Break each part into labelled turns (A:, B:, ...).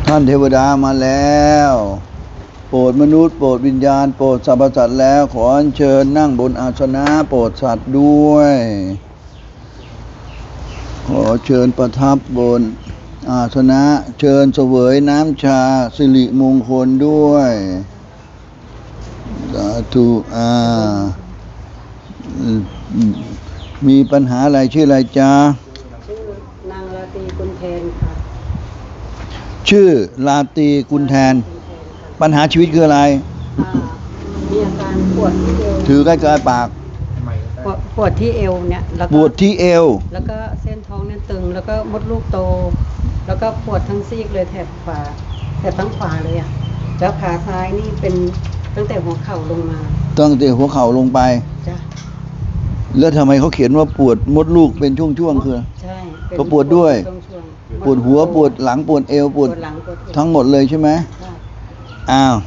A: ท่านเทวดามาแล้วโปรดมนุษย์โปรดวิญญาณโปรดสรรพสัตว์แล้วขออัญเชิญนั่งบนอาสนะโปรดสัตว์ด้วยขอเชิญประทับบนอาสนะเชิญเสวยน้ำชาสิริมงคลด้วยสาธุมีปัญหาอะไรชื่ออะไรจ๊ะ
B: ชื่อนางราตรีกุลแทนค่ะ
A: ชื่อราตรีกุลแทนปัญหาชีวิตคืออะไร
B: มีอาการปวดที่เอว
A: ถือใกล้ๆปาก
B: ปวดที่เอวเนี่ยแล้วก็
A: ปวดที่เอว
B: แล้วก็เส้นท้องเนี่ยตึงแล้วก็มดลูกโตแล้วก็ปวดทั้งซีกเลยแถบขวาแถบทั้งขวาเลยอ่ะแล้วขาซ้ายนี่เป็นตั้งแต่หัวเข่าลงมา
A: ตั้งแต่หัวเข่าลงไป
B: จ้ะ
A: แล้วทำไมเขาเขียนว่าปวดมดลูกเป็นช่วงๆคือ
B: ใช่
A: เขาปวดด้วยปวดหัวปวดหลังปวดเอวปวดทั้งหมดเลยใช่ไหมอ้าว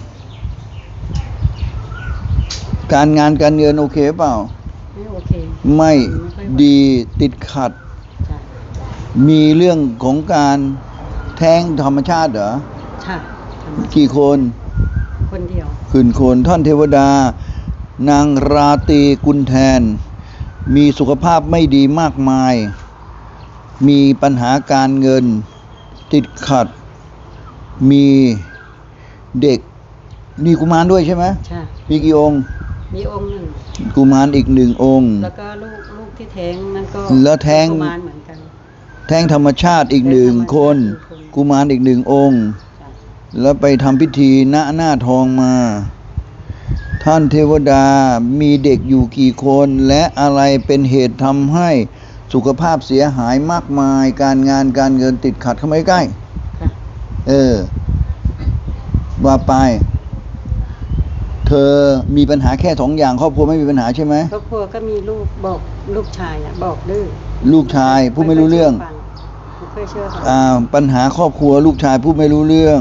A: การงานการเงินโอเคเปล่า
B: ไม่โอเค
A: ไม่ดีติดขัดมีเรื่องของการแท้งธรรมชาติเหรอ
B: ใช่
A: กี่คน
B: คนเดียว
A: คืนคนท่านเทวดานางราตรีกุลแทนมีสุขภาพไม่ดีมากมายมีปัญหาการเงินติดขัดมีเด็กมีกุมารด้วยใช่ไหม
B: ใช่
A: มีกี่องค์
B: มีองค์หนึ่ง
A: กุมารอีกหนึ่งองค์
B: แล้วก็ลูกที่แท้งนั่นก็
A: แล้วแท้ง
B: กุมารเหมือนกัน
A: แท้งธรรมชาติอีกหนึ่งคนกุมารอีกหนึ่งองค์แล้วไปทำพิธีณหน้าทองมาท่านเทวดามีเด็กอยู่กี่คนและอะไรเป็นเหตุทำให้สุขภาพเสียหายมากมายการงานการเงินติดขัดเข้ามาใกล้ว่าไปเธอมีปัญหาแค่สองอย่างครอบครัวไม่มีปัญหาใช่ไหม
B: ครอบครัวก็มีลูกบอกลูกชายบอกดื้อ
A: ลูกชายพูดไม่รู้เรื่อง
B: ไม่เชื่อ
A: ปัญหาครอบครัวลูกชายพูดไม่รู้เรื่อง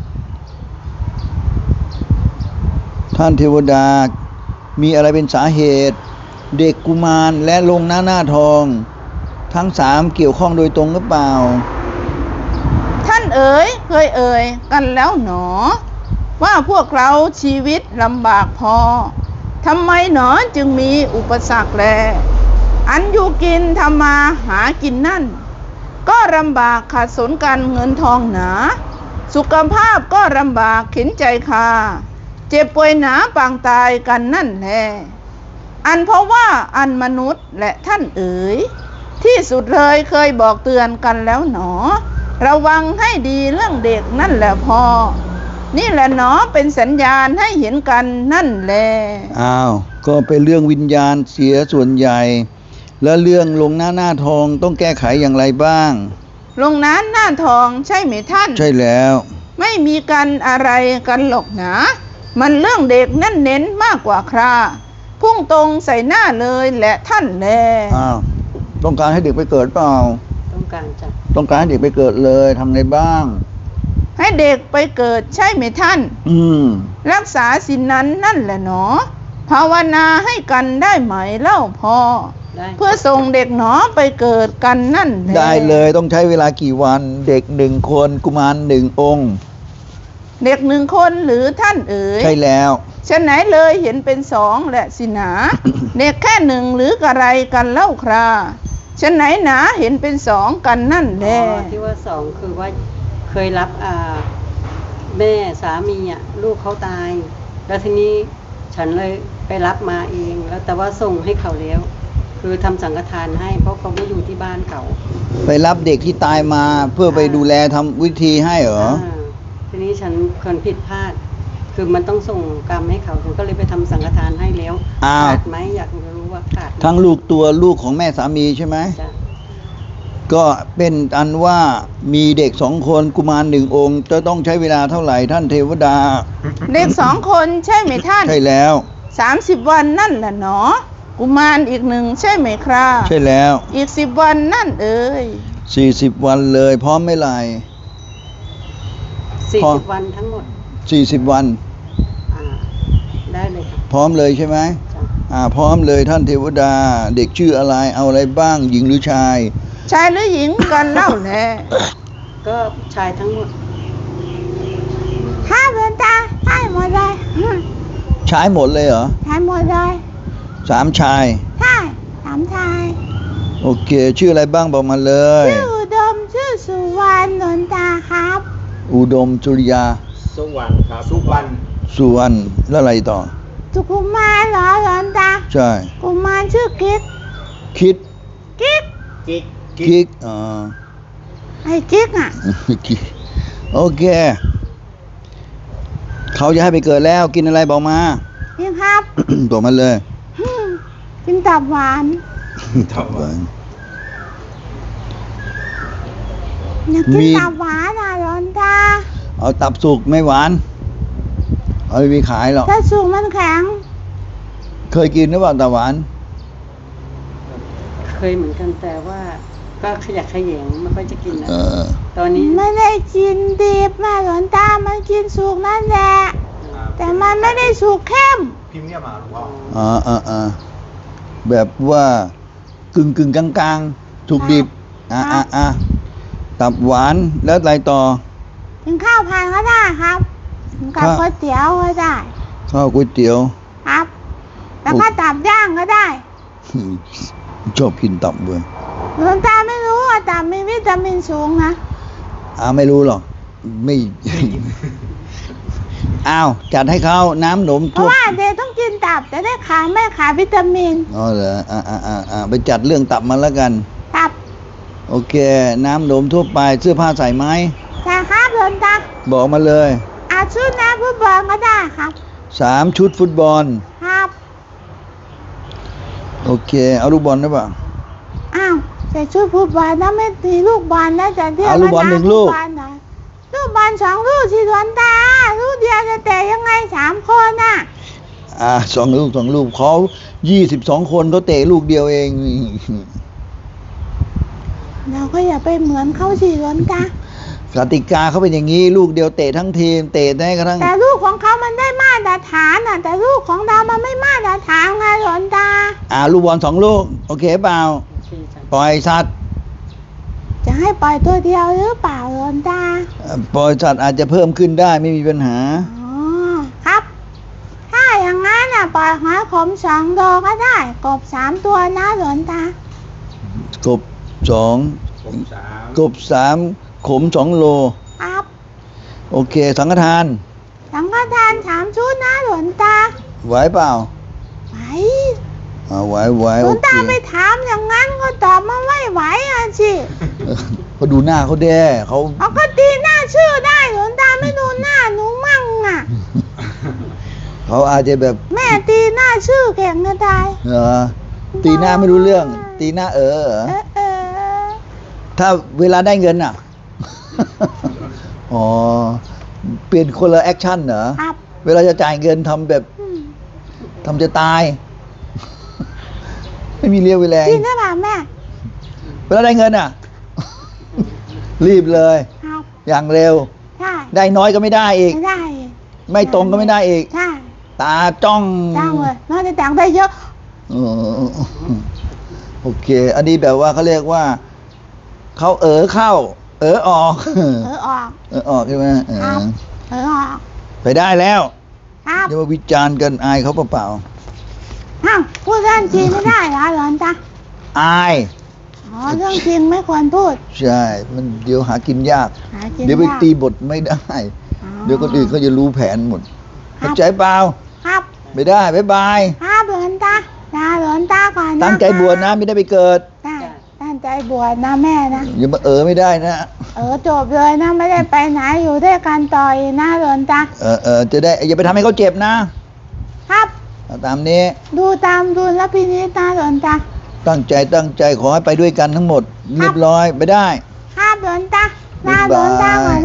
A: ท่านเทวดามีอะไรเป็นสาเหตุเด็กกุมารและลงหน้าทองทั้งสามเกี่ยวข้องโดยตรงหรือเปล่า
C: ท่านเอ๋ยเคยเอ่ยกันแล้วหนอว่าพวกเราชีวิตลำบากพอทำไมหนอจึงมีอุปสรรคแลอันอยู่กินทำมาหากินนั่นก็ลำบากขาดสนกันเงินทองหนาสุขภาพก็ลำบากเข็นใจคาเจ็บป่วยหนาปางตายกันนั่นแหละอันเพราะว่าอันมนุษย์และท่านเอ๋ยที่สุดเลยเคยบอกเตือนกันแล้วหนอระวังให้ดีเรื่องเด็กนั่นแหละพอนี่แหละหนอเป็นสัญญาณให้เห็นกันนั่นแหละ
A: อ้าวก็เป็นเรื่องวิญญาณเสียส่วนใหญ่แล้วเรื่องลงหน้าทองต้องแก้ไขอย่างไรบ้าง
C: ลงหน้าทองใช่ไหมท่าน
A: ใช่แล้ว
C: ไม่มีกันอะไรกันหรอกนะมันเรื่องเด็กนั่นเน้นมากกว่าคราพุ่งตรงใส่หน้าเลยแหละท่านแล
A: อ้าวต้องการให้เด็กไปเกิดเปล่า
B: ต้องการจ้ะ
A: ต้องการให้เด็กไปเกิดเลยทำไงบ้าง
C: ให้เด็กไปเกิดใช่ไหมท่านรักษาศีลนั้นนั่นแหละหนอภาวนาให้กันได้ไหมเล่าพอเพื่อส่งเด็กหนอไปเกิดกันนั่นแหละ
A: ได้เลยต้องใช้เวลากี่วันเด็กหนึ่งคนกุมารหนึ่งองค์
C: เด็กหนึ่งคนหรือท่านเอ๋ย
A: ใช่แล้ว
C: ฉะไหนเลยเห็นเป็นสองแหละสินะ เด็กแค่หนึ่งหรืออะไรกันเล่าคราฉะไหนหนาเห็นเป็นสองกันนั่นแหละ
B: ที่ว่าสองคือว่าเคยรับแม่สามีลูกเขาตายแล้วทีนี้ฉันเลยไปรับมาเองแล้วแต่ว่าส่งให้เขาแล้วคือทำสังฆทานให้เพราะเขาไม่อยู่ที่บ้านเขา
A: ไปรับเด็กที่ตายมาเพื่อไปดูแลทำวิธีให้เหรอ
B: ทีนี้ฉันคนผิดพลาดคือมันต้องส่งกรรมให้เขาฉันก็เลยไปทำสังฆทานให้แล้วขาดไหมอยากรู้ว่าขาด
A: ทั้งลูกตัวลูกของแม่สามีใช่ไหมก็เป็นอันว่ามีเด็กสองคนกุมารหนึ่งองค์จะต้องใช้เวลาเท่าไหร่ท่านเทวดา
C: เด็กสองคนใช่ไหมท่าน
A: ใช่แล้ว
C: 30 วันนั่นแหละหนอกุมารอีกหนึ่งใช่ไหมครับ
A: ใช่แล้ว
C: อีก10 วันนั่นเอ๋ย
A: 40 วันเลยพร้อมไม่ไร
B: 40 วันทั้งหมด
A: 40 วัน
B: ได้เลยครับ
A: พร้อมเลยใช่ไหมพร้อมเลยท่านเทวดาเด็กชื่ออะไรเอาอะไรบ้างหญิงหรือชาย
C: หรือหญิงกันเล่าแหละ
B: ก็ชายทั้งหมด
C: ใช่หมดเลย
A: ใช้หมดเลยเหรอ
C: ใช่หมดเลย
A: 3 ชาย
C: ใช่สามชาย
A: โอเค ชื่ออะไรบ้างบอกมาเลย
C: ชื่ออุดมชื่อสุวรรณหลวงตาครับ
A: อุดมสุริยา
D: สุวรรณครับสุวรรณ
A: สุวรรณแล้วอะไรต่อ
C: สุกุมารเหรอหลวงตา
A: ใช่
C: กุมารชื่อกิ๊ก
A: คิด
C: กิ๊ก
D: กิ๊ก
A: กิ๊ก
C: ไอ้กิ๊กอ่ะ
A: กิ๊กโอเค เขาจะให้ไปเกิดแล้วกินอะไรบอกมา
C: นี่ครับ
A: บอกมาเลย
C: กินตับหวาน
D: ตับหวาน
C: อยากกิน
A: มี
C: ตับหวานอ่ะหลวงตา
A: เอาตับสุกไม่หวาน เอาไปขายหรอก
C: ถ้าสูงมันแข็ง
A: เคยกินหรือเปล่าตับหวาน
B: เคยเหมือนกันแต่ว่าก็ขยักขยงไม่ค่อยจะกินนะ
A: เออ
B: ตอนนี้
C: ไม่ได้กินดิบมาหลวงตา มันกินสุกนั่นแหละ แต่มันไม่ได้สุกเข้ม
D: พิมพ์เนี่ยมาหรือว่า
A: แบบว่ากึ่งกลางๆ ถูกดิบ ตับหวานแล้วอะไรต่อ
C: กินข้าวผัดก็ได้ครับกินกับ
A: ข้าว
C: ก๋วยเตี๋ยวก็ได้
A: ข้าวก๋วยเตี๋ยว
C: ครับ แล้วก็ตับย่างก็ได้
A: ชอบกินตับเว้ย
C: หลวงตาไม่รู้ว่าตับมีวิตามินสูงนะ
A: ไม่รู้หรอก ไม่ อ้าวจัดให้เขาน้ำหนม
C: เพ
A: ทั่
C: ราะ
A: ว
C: ว่าเด็กต้องกินตับจะได้ขาไม่ขาดวิตามิน
A: อ๋อเหรอไปจัดเรื่องตับมาแล้วกัน
C: ตับ
A: โอเค น้ำหนมทั่วไปเสื้อผ้าใส่ไหม
C: แต่ครับหลวงตา
A: บอกมาเลย
C: อาชุดนะฟุตบอลก็ได้ครับ
A: 3 ชุดฟุตบอล
C: ครับ
A: โอเค เอาลูกบอลได้ป่ะ
C: อ้าวแต่ชุดฟุตบอลนะไม่ตีลูกบอลนะจะเรียก
A: เอาลูกบอล
C: ว่า
A: 1 ลูก
C: บอลเหรอลูกบอล2 ลูกสิหลวงตา ลูกเดียวจะเตะยังไง3 คนน่ะ
A: 2 ลูกเขา22 คนเขาเตะลูกเดียวเอง
C: เราก็อย่าไปเหมือนเขาสิหลวงตา
A: กติกาเขาเป็นอย่างนี้ ลูกเดียวเตะทั้งทีม เตะได้กระทั่ง
C: แต่ลูกของเขามันได้มาตรฐานน่ะ แต่ลูกของเรามันไม่มาตรฐานไงหลวงตา
A: ลูกบอล2 ลูก โอเคเปล่า
B: โอเคจ้ะ
A: ปล่อยสัตว์
C: จะให้ปล่อยตัวเดียวหรือเปล่าหลวงตา
A: ปล่อยสัตว์อาจจะเพิ่มขึ้นได้ไม่มีปัญหา
C: อ๋อครับ ถ้าอย่างนั้นน่ะปล่อยหอยขม2 โลก็ได้ กบ3 ตัวนะหลวงตา
A: กบ2
D: ผมสาม
A: กบ3 ขม2 โล
C: ครับ
A: โอเค สังฆทาน
C: สังฆทาน3 ชุดนะหลวงตา
A: ไหวเปล่า
C: ไหว
A: ไหว
C: หล
A: โอ
C: วง
A: เค
C: ตาไปถามอย่างนั้นก็ตอบมาไม่ไหวอ่ะสิ
A: เขาดูหน้าเขาแด้เขา
C: เขาก็ตีหน้าชื่อได้หลวงตาไม่ดูหน้าหนูมั่งอ่ะ
A: เขาอาจจะแบบ
C: แม่ตีหน้าชื่อเก่งนะตาย
A: ตีหน้าไม่รู้เรื่อง ตีหน้าเหรอ
C: เออ
A: ถ้าเวลาได้เงินอ่ะ อ๋อ เปลี่ยนคนละแอคชั่นเหรอ
C: ครับ
A: เวลาจะจ่ายเงินทำแบบ
C: อืม
A: ทำจะตาย ไม่มีเรียวเวแรง
C: จริงหรือเปล่าแม่
A: เวลาได้เงินอ่ะ รีบเลย
C: ครับ
A: อย่างเร็ว
C: ใช่
A: ได้น้อยก็ไม่ได้อีก
C: ไม่ได้
A: ไม่ตรงก็ไม่ได้อีก
C: ใช่
A: ตาจ้อง
C: จ้างเลยน่าจะแต่งได้เยอะ
A: เออโอเค อันนี้แบบว่าเขาเรียกว่า เขาเข้า ออก
C: ออก
A: ออกใช่ไหม
C: ครับ ออก
A: ไปได้แล้ว
C: ครับ
A: อย่ามาวิจารณ์กันอายเขาเปล่า
C: อ้าวพูดเรื่องจริงไม่ได้เหรอหลอนตา
A: ๆอาย
C: อ๋อเรื่องจริงไม่ควรพูด
A: ใช่ มันเดี๋ยวหากินยาก
C: หากิน
A: เดี๋ยวไป
C: ยาก
A: ตีบทไม่ได้
C: อ๋อ
A: เดี๋ยวคนอื่นเขาจะรู้แผนหมด
C: ครับ
A: เข้าใจเปล่า
C: ครับ
A: ไม่ได้ บ๊ายบาย
C: ครับหลอนตาลาหลอนตาก่อนนะ
A: ตั้งใจบวชนะ ไม่ได้ไปเกิด
C: ได้ตั้งใจบวชนะแม่นะ
A: อย่ามาไม่ได้นะ
C: จบเลยนะไม่ได้ไปไหนอยู่ด้วยกันต่ออีกนะหลอนตา
A: จะได้ อย่าไปทำให้เขาเจ็บนะ
C: ครับ
A: เอาตามนี้
C: ดูตามดูแลวพินิจนะหลอนตา
A: ตั้งใจขอให้ไปด้วยกันทั้งหมด เรียบร้อยไปได้
C: ครับหลอนตาลาหลอนตาก่อน